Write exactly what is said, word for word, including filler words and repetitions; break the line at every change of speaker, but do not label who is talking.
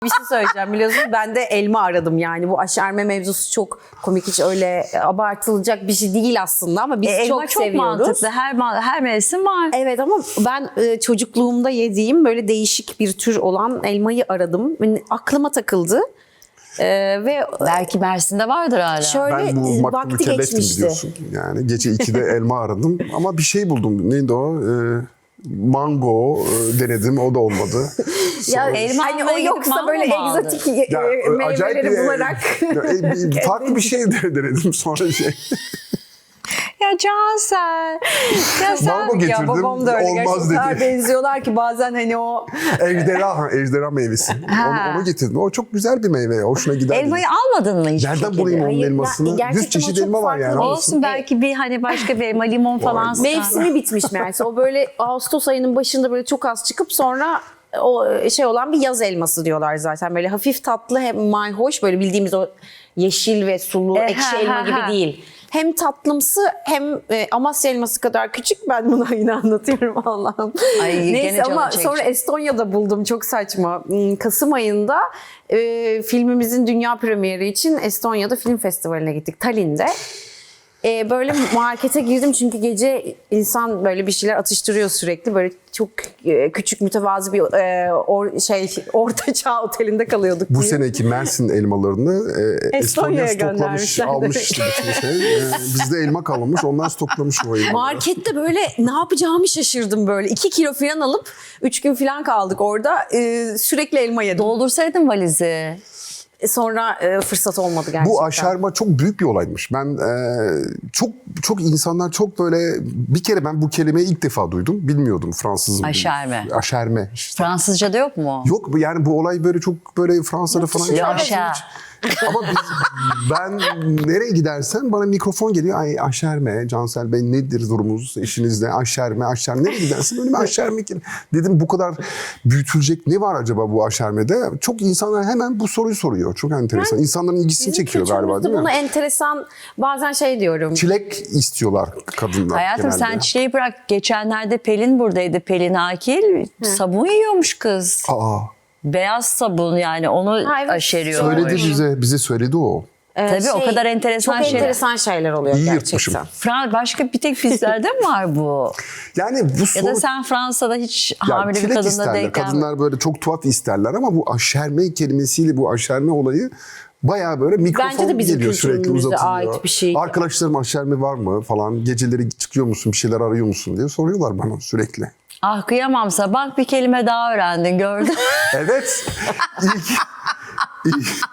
Bir şey söyleyeceğim, biliyorsunuz ben de elma aradım, yani bu aşerme mevzusu çok komik, hiç öyle abartılacak bir şey değil aslında ama biz
E, elma
çok,
çok
seviyoruz.
mantıklı. Her her mevsim var.
Evet ama ben e, çocukluğumda yediğim böyle değişik bir tür olan elmayı aradım. Yani aklıma takıldı. E, ve
Belki Mersin'de vardır hala.
şöyle
Ben bu
e,
makbul
vakti
mükelleftim
geçmişti.
biliyorsun. Yani gece ikide elma aradım ama bir şey buldum. Neydi o? Ee, mango e, denedim, o da olmadı.
Ya
Sonra-
elma
hani
almaya
o
gidip
yoksa
mango
böyle
mu aldın?
egzotik e,
Ya,
e,
acayip
meyveleri
bir-
bularak.
Ya, e, bir- farklı bir şey de denedim sonra şey.
Ya Cansel. Ya sen...
Mango getirdim.
Ya babam da öyle.
Olmaz
Gerçekten o kadar
dedi.
benziyorlar ki bazen hani o...
Ejderha, ha, ejderha meyvesi. Onu, onu getirdim. O çok güzel bir meyve. Hoşuna gider.
Elmayı almadın mı hiç?
Nereden bulayım onun
Hayır,
elmasını?
ya, gerçekten
Yüz çeşit
o çok
elma var
farklı
yani.
bir-
Olsun, belki bir hani başka bir elma, limon falan. sıkar.
Mevsimi bitmiş meğerse. O böyle Ağustos ayının başında böyle çok az çıkıp sonra o şey olan bir yaz elması diyorlar zaten. Böyle hafif tatlı, hem mayhoş, böyle bildiğimiz o yeşil ve sulu
E,
ekşi
ha,
elma
ha,
gibi
ha.
değil. Hem tatlımsı hem e, Amasya elması kadar küçük. Ben bunu yine anlatıyorum Allah'ım.
Ay, gene
Neyse
canım
ama
çekecek.
sonra Estonya'da buldum, çok saçma. Hmm, Kasım ayında e, filmimizin dünya premieri için Estonya'da film festivaline gittik, Tallinn'de. Ee, böyle markete girdim çünkü gece insan böyle bir şeyler atıştırıyor sürekli. Böyle çok e, küçük mütevazı bir e, or, şey orta çağ otelinde kalıyorduk.
Bu
diye.
seneki Mersin elmalarını e,
Estonya'ya
Estonya stoklamış,
göndermişler
almış
demek.
işte bütün şey. E, bizde elma kalmamış, onlar stoklamış o elmaları.
Markette böyle ne yapacağımı şaşırdım böyle. iki kilo falan alıp üç gün falan kaldık orada. Ee, sürekli elma yedim.
Doldursaydın valizi.
Sonra e, fırsat olmadı gerçekten.
Bu aşerma çok büyük bir olaymış. Ben e, çok çok insanlar çok böyle, bir kere ben bu kelimeyi ilk defa duydum. Bilmiyordum Fransızım.
Aşerme.
Aşerme. işte.
Fransızca'da yok mu?
Yok bu- yani bu olay böyle çok böyle Fransa'da falan.
dışında
hiç-
Yaşa.
Ama biz, ben nereye gidersen bana mikrofon geliyor. Ay aşerme, Cansel Bey nedir durumunuz eşinizle? Aşerme, aşerme. Nereye gidersen önüme aşerme geliyor. Dedim bu kadar büyütülecek ne var acaba bu aşermede? Çok insanlar hemen bu soruyu soruyor. Çok enteresan. İnsanların ilgisini
Bizim
çekiyor galiba
kültürümüzde
değil mi?
bunu enteresan bazen şey diyorum.
Çilek istiyorlar kadınlar
Hayatım
genelde.
sen çileği bırak. Geçenlerde Pelin buradaydı. Pelin Akil. Sabun yiyormuş kız.
Aa,
Beyaz sabun, yani onu
Ha, evet.
aşeriyor.
söyledi bize, bize söyledi o.
Ee,
Tabii, o kadar enteresan
çok
şeyler.
enteresan şeyler oluyor
İyi
gerçekten.
yırtmışım.
Fran başka bir tek bizlerde mi var bu?
Yani bu
Ya
soru...
da sen Fransa'da hiç
Ya
hamile bir
çilek
kadınla
isterler.
denk gelmedin.
Kadınlar böyle çok tuhaf isterler ama bu aşerme kelimesiyle bu aşerme olayı bayağı böyle mikrofon
Bence de bizim
geliyor sürekli
kültürümüze
uzatılıyor.
ait bir şey.
Arkadaşlarım aşerme var mı falan, geceleri çıkıyor musun bir şeyler arıyor musun diye soruyorlar bana sürekli.
Ah kıyamamsa bak, bir kelime daha öğrendin, gördün.
Evet. İlk, ilk,